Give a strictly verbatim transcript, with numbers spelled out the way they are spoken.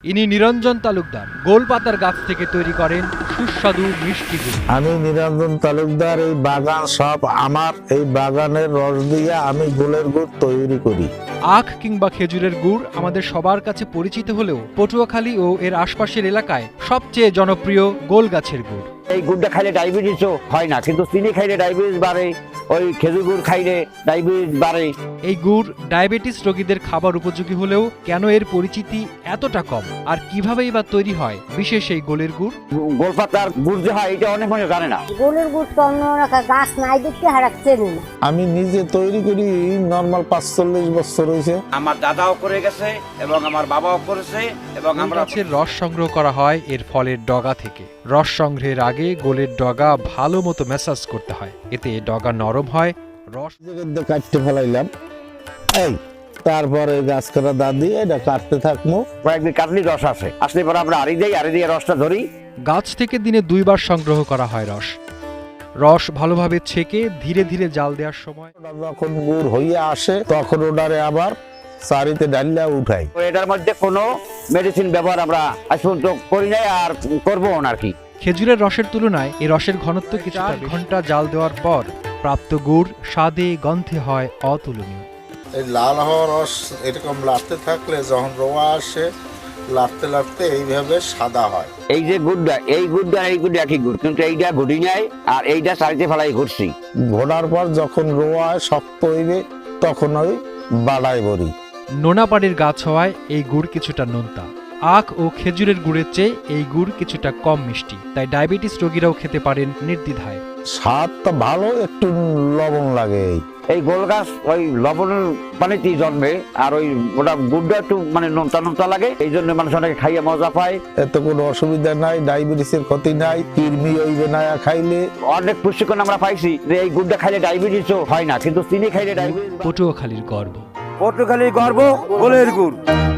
ইনি নিরঞ্জন তালুকদার গোল পাতার গাছ থেকে তৈরি করেন সুস্বাদু মিষ্টি গুড়। আমি নিরঞ্জন তালুকদার, এই বাগান সব আমার। এই বাগানের রস দিয়ে আমি গোলের গুড় তৈরি করি। আখ কিংবা খেজুরের গুড় আমাদের সবার কাছে পরিচিত হলেও পটুয়াখালী ও এর আশপাশের এলাকায় সবচেয়ে জনপ্রিয় গোল গাছের গুড়। এই গুড়টা খাইলে ডায়াবেটিসও হয় না, কিন্তু চিনি খাইলে ডায়াবেটিস বাড়ে, ওই খেজুর গুড় খাইলে ডায়াবেটিস বাড়ে। এই গুড় ডায়াবেটিস রোগীদের খাবার উপযোগী হলেও কেন এর পরিচিতি এতটা কম, আর কিভাবেই বা তৈরি হয় বিশেষ এই গোলের গুড়? গোলপাতার গুড় যে হয় এটা অনেক মানুষ জানে না। গোলের গুড় তো অন্য গাছ নাই দেখতে হারাচ্ছে না। আমি নিজে তৈরি করি নর্মাল পাঁচচল্লিশ বছর হয়েছে। আমার দাদাও করে গেছে এবং আমার বাবাও করেছে এবং গোল আমরা গাছের রস সংগ্রহ করা হয় এর ফলের ডগা থেকে। রস সংগ্রহের আগে গোলের ডগা ভালো মতো ম্যাসাজ করতে হয়, এতে ডগা নরম হয়। রস কাটতে ফেলাইলাম, এই তারপরে গাছ কাটা দা দিয়ে এটা কাটতে থাকবো। কয়েকদিন কাটলি রস আসে, আসলে পরে আমরা আড়ি দেই, আড়ি দিয়ে রসটা ধরি। গাছ থেকে দিনে দুইবার সংগ্রহ করা হয় রস। রস ভালোভাবে ছেঁকে ধীরে ধীরে জাল দেওয়ার সময় যখন গুড় হইয়া আসে তখন ওটারে আবার চারিতে ডালিয়া উঠাই। তো এটার মধ্যে কোনো মেডিসিন ব্যবহার আমরা আজ পর্যন্ত করি নাই আর করবো না আর কি। খেজুরের রসের তুলনায় এই রসের ঘনত্ব কিছু ঘন্টা জাল দেওয়ার পর প্রাপ্ত গুড় স্বাদে গন্ধে হয় অতুলনীয়। এই লাল হওয়া রস এরকম লাড়তে থাকলে যখন রোয়া আসে লাড়তে লাড়তে এইভাবে সাদা হয়। এই যে গুড়টা, এই গুড়টা এই গুড় একই গুড়, কিন্তু এইটা ঘুটি নাই আর এইটা চারিতে ফেলাই ঘুরছি। ঘোড়ার পর যখন রোয়া শক্ত হইবে তখন ওই বাড়াই বড়ি। নোনাপাড়ির গাছ হওয়ায় এই গুড় কিছুটা নোনতা। আখ ও খেজুরের গুড়ের চেয়ে এই গুড় কিছুটা কম মিষ্টি, তাই ডায়াবেটিস রোগীরাও খেতে পারেন নির্দ্বিধায়। স্বাদটা ভালো, একটু লবণ লাগে। এই গোল গাছ ওই লবণের পানিতেই জন্মে, আর ওই ওটা গুড়টা একটু মানে নোনতা নোনতা লাগে, এই জন্য মানুষ অনেকে খাইয়ে মজা পায়। এতে কোনো অসুবিধা নাই, ডায়াবেটিসের ক্ষতি নাই, কৃমি হইবে না খাইলে। অনেক পুষ্টিকর আমরা পাইছি যে এই গুড়টা খাইলে ডায়াবেটিসও হয় না, কিন্তু চিনি খাইলে ডায়াবেটিস। পটুয়াখালীর গর্ব। পটুয়াখালীর গর্ব গোলের গুড়।